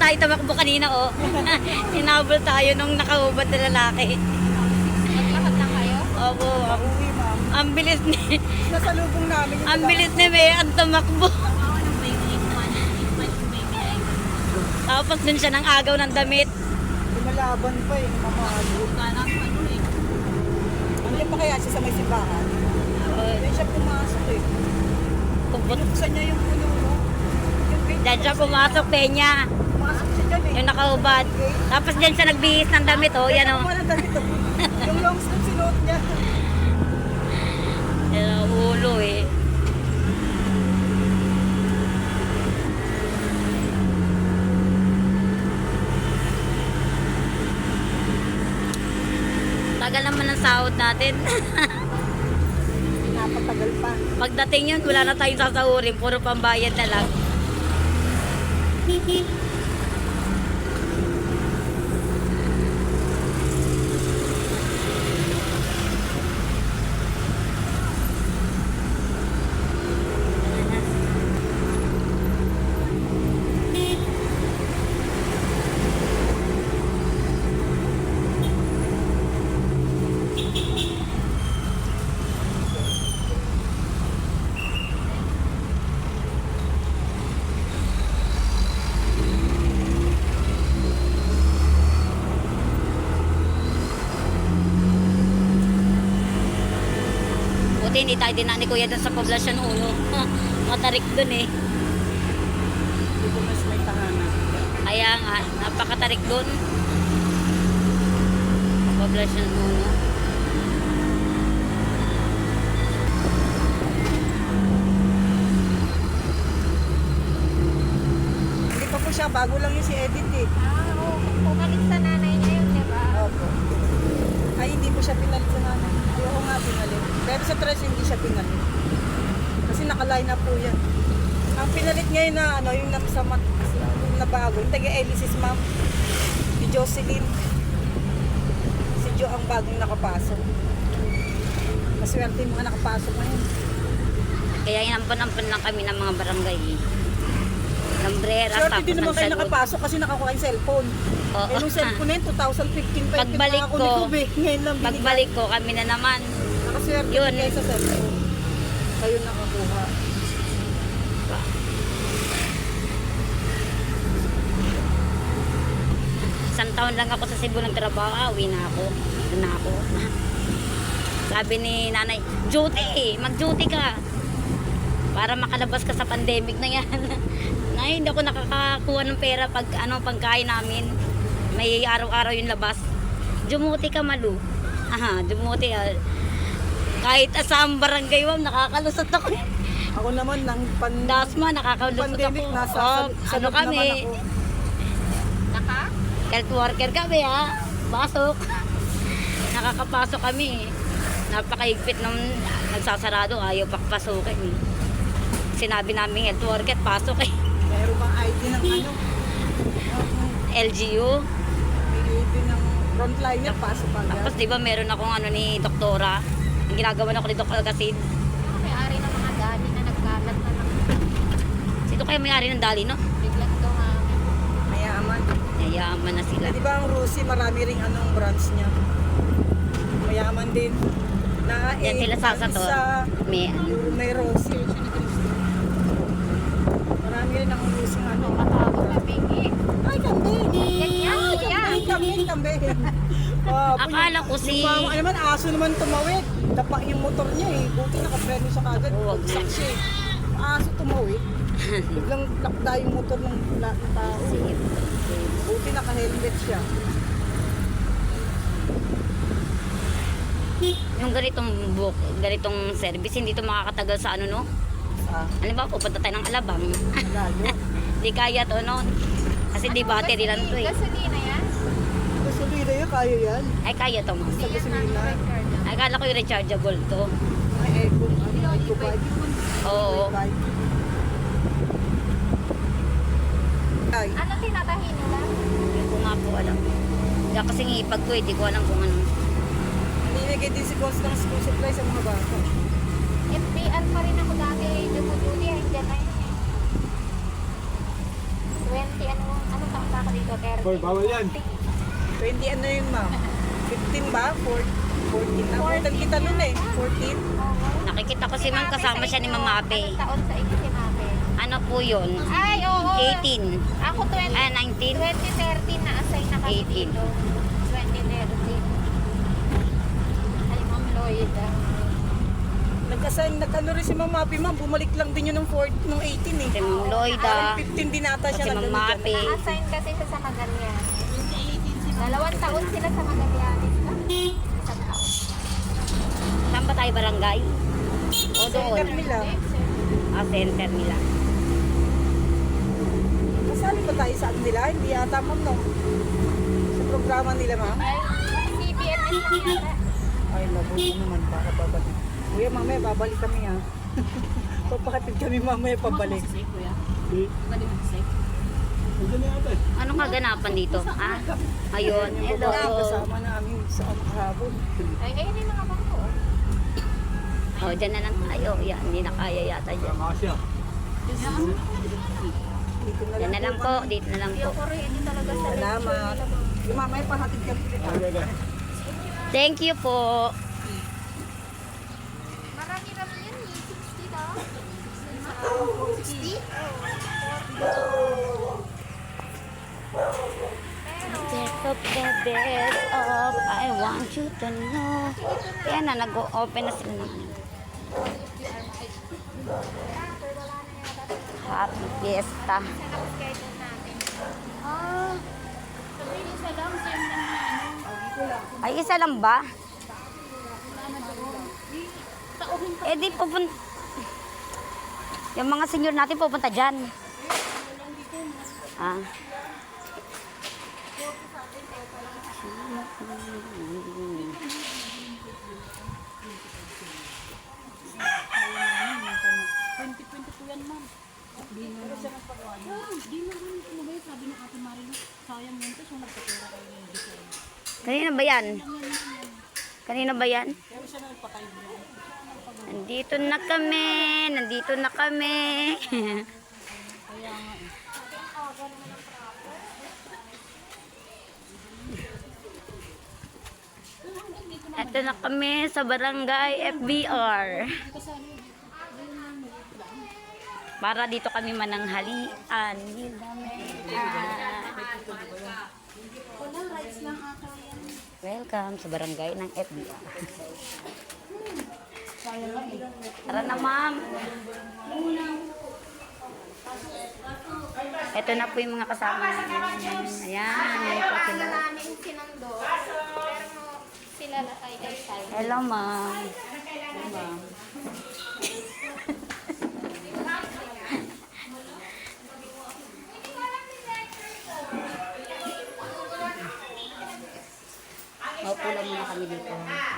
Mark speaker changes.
Speaker 1: tayo tumakbo kanina, oh. Hinabol tayo nung nakahubad na lalaki.
Speaker 2: Maglakad lang kayo?
Speaker 1: Opo,
Speaker 3: Uwi, ma'am.
Speaker 1: ang bilis ni,
Speaker 3: Nasa lubong namin. yung
Speaker 1: ang
Speaker 3: taga-
Speaker 1: bilis ni May ang tumakbo. Tapos dun siya ng agaw ng damit.
Speaker 3: Lumalaban pa eh, namamalo. Andiyan pa kaya siya sa may simbahan? Diyan siya pumasok eh. Binuksan niya yung puno, no? Yung gate.
Speaker 1: Diyan siya pumasok, Peña.
Speaker 3: Pumasok siya dyan eh.
Speaker 1: Yung nakahubad. Tapos diyan siya nagbihis ng damit, oh. Yan, oh.
Speaker 3: Walang damit, oh. Yung long sleeve sinuot niya.
Speaker 1: Yan ang ulo, eh. Tagal naman ang sahod natin.
Speaker 3: Napatagal pa.
Speaker 1: Pagdating yun, wala na tayong sasahurin. Puro pambayad na lang. Buti hindi tayo dinaan ni Kuya dun sa Poblacion 1. Matarik dun, eh.
Speaker 3: Hindi ko mas may tahanan.
Speaker 1: Kaya nga, napakatarik dun. Poblacion 1.
Speaker 3: Hindi pa po siya, bago lang yung si Edith eh.
Speaker 2: Oo. Pumalit sa nanay niya yun, di ba?
Speaker 3: Opo. Ay, hindi po siya pinalit sa nanay. Ayoko nga pinalit. Pero sa tres, hindi siya pinalit. Kasi nakaline up po yan. Ang pinalit ngayon na, ano, yung yung nabago, yung taga-Elisis, ma'am. Si Jocelyn. Si Jo ang bagong nakapasok. Maswerte yung mga nakapasok ngayon.
Speaker 1: Kaya inampon-ampon lang kami ng mga barangay. Lambrera,
Speaker 3: Swerte
Speaker 1: tapos
Speaker 3: din
Speaker 1: ng
Speaker 3: naman kayo
Speaker 1: salud.
Speaker 3: nakapasok kasi nakakuha yung cellphone.
Speaker 1: Oo.
Speaker 3: Eh, nung cellphone na yun, 2015 pa yung
Speaker 1: Pagbalik
Speaker 3: pinaka
Speaker 1: ko,
Speaker 3: ni Ngayon lang binigay.
Speaker 1: Pagbalik ko, kami na naman.
Speaker 3: Nakaswerte
Speaker 1: Yun.
Speaker 3: din kayo sa cellphone. Kayo nakakuha.
Speaker 1: Isang taon lang ako sa Cebu nagtrabaho, uwi na ako. Doon na ako. Sabi ni nanay, duty, mag-duty ka. Para makalabas ka sa pandemic na yan. Ngayon, hindi ako nakakakuha ng pera pag pagkain namin. May araw-araw yung labas. Dumuti ka, Malu. Aha, dumuti. Kahit asang barangay, ma'am, nakakalusot ako.
Speaker 3: Ako naman ng
Speaker 1: Dasma, nakakalusot
Speaker 3: pandemic,
Speaker 1: ako.
Speaker 3: nasa
Speaker 1: Oh,
Speaker 3: sa
Speaker 1: ano
Speaker 3: loob naman
Speaker 1: kami?
Speaker 3: ako.
Speaker 2: Naka?
Speaker 1: Health worker kami, ha? Pasok. Nakakapasok kami. Napakaigpit nung nagsasarado, ayaw pakpasukin. Eh. Sinabi namin health worker, pasok eh.
Speaker 3: Meron bang ID ng ano?
Speaker 1: LGU.
Speaker 3: May ID ng frontliner, pasok agad.
Speaker 1: Tapos di ba meron akong ni doktora. Ang ginagawa na ako ni Dr. Alcacid.
Speaker 2: May-ari ng mga dali na nagkalat na ng
Speaker 1: Sino kaya may-ari ng dali, no?
Speaker 2: biglang dumami.
Speaker 3: Mayaman.
Speaker 1: Yayaman na sila.
Speaker 3: Di ba ang Rusi, marami ring anong branch niya. Mayaman din. Na
Speaker 1: Yan sila sasato.
Speaker 3: May Rosie. Marami rin ang Rusi ano.
Speaker 2: Matago na pingi.
Speaker 3: Ay, kambing!
Speaker 2: Ganyan,
Speaker 3: Ay,
Speaker 2: kuya.
Speaker 3: kambing. Oh,
Speaker 1: Akala ko si...
Speaker 3: Yung naman, aso naman tumawid. Dapa yung motor niya eh. Buti nakapreno siya kagad.
Speaker 1: Huwag
Speaker 3: Bagsak
Speaker 1: na.
Speaker 3: siya eh. Aso tumawid. Biglang lakda yung motor ng tao. Buti naka-helmet siya.
Speaker 1: Yung ganitong service, hindi to makakatagal sa no?
Speaker 3: Ah,
Speaker 1: Alam ba, pupunta tayo ng Alabang.
Speaker 3: lalo.
Speaker 1: Di kaya to, no? Kasi di battery lang to eh.
Speaker 2: Gasolina yan?
Speaker 3: Gasolina yun, kaya yan.
Speaker 1: Ay, kaya to, ma'am.
Speaker 3: Sa gasolina.
Speaker 1: Ay, kala ko yung rechargeable to.
Speaker 3: May eco bike.
Speaker 1: Oo.
Speaker 3: Bike. Ay,
Speaker 2: Ano tinatahin nila?
Speaker 1: Hindi ko nga po alam. Kaya kasi ngipag ko eh, di ko alam kung ano.
Speaker 3: ninigay din si Boss ng school supply sa mga bata.
Speaker 2: FBR pa rin ako dati. Dumuduty. Hanggang na yun eh. 20, ano taon ba ako dito? 30.
Speaker 4: Hoy, bawal yan.
Speaker 3: 20 ano yun, ma'am? 15 ba? 14 na. Abutan kita nun eh. 14.
Speaker 1: Nakikita ko si ma'am kasama siya ni Mama Abe.
Speaker 2: Anong taon sa inyo si Mame?
Speaker 1: Ano po yun?
Speaker 2: Ay, oo.
Speaker 1: 18.
Speaker 2: Ako 20.
Speaker 1: 19.
Speaker 2: 2013 na assign na kami
Speaker 1: 18.
Speaker 2: dito. 2013. Ay, Ma'am Lloyd.
Speaker 3: Nag-ano rin si Mama Api, ma'am. Bumalik lang din yun nung 18 eh.
Speaker 1: Si Ma'am Lloyda.
Speaker 3: Parang 15 din ata siya
Speaker 1: Si
Speaker 3: na
Speaker 1: Mama Abe.
Speaker 2: Na-assign kasi siya sa Magallanes. 2 taon sila sa Magallanes. Isang taon.
Speaker 1: Saan ba tayo barangay? O doon?
Speaker 3: Center nila.
Speaker 1: Center nila.
Speaker 3: Kasali ba tayo sa ano nila? Hindi ata, ma'am, no? Sa programa nila, ma'am.
Speaker 2: Ay, CBMS lang yata.
Speaker 3: Ay, mabuti naman. Baka babalik. Kuya, mamaya babalik kami, ha? Papakatid kami mamaya pabalik.
Speaker 4: Nandiyan na yata eh.
Speaker 1: Anong kaganapan dito? Ayun. Hello.
Speaker 3: Kasama namin sa kahapon.
Speaker 2: Ay, ngayon yung mga bangko.
Speaker 1: Oh, dyan na lang tayo. Yan, hindi na kaya yata dyan.
Speaker 4: Kasya.
Speaker 3: Dito na
Speaker 1: Yan na lang po. Dito na lang po.
Speaker 2: Ako rin, hindi talaga sa
Speaker 3: Salamat. Yung mamaya pahatid kami kita.
Speaker 4: Okay, okay.
Speaker 1: Thank you po.
Speaker 2: Marami-rami yan eh. 60 daw. 60?
Speaker 1: Best of the best of I want you to know. Yan na, nag-open na sila ng ano. Happy Fiesta.
Speaker 2: Tapos kayo doon natin. Isa lang, same lang na ano.
Speaker 1: Ay, isa lang ba? Eh di pupunta. Yung mga senior natin pupunta dyan. Ah. Kanina ba yan? Kanina ba yan? Nandito na kami. Nandito na kami. Ito na kami sa barangay FBR. Para dito kami mananghalian. Welcome sa barangay ng FBR. Tara na, ma'am. Ito na po yung mga kasama namin. Ayan, may po sila.
Speaker 2: namin sinundo. Pero sila ay sign.
Speaker 1: Hello, ma'am. Hello, ma'am. Maupo lang muna kami dito.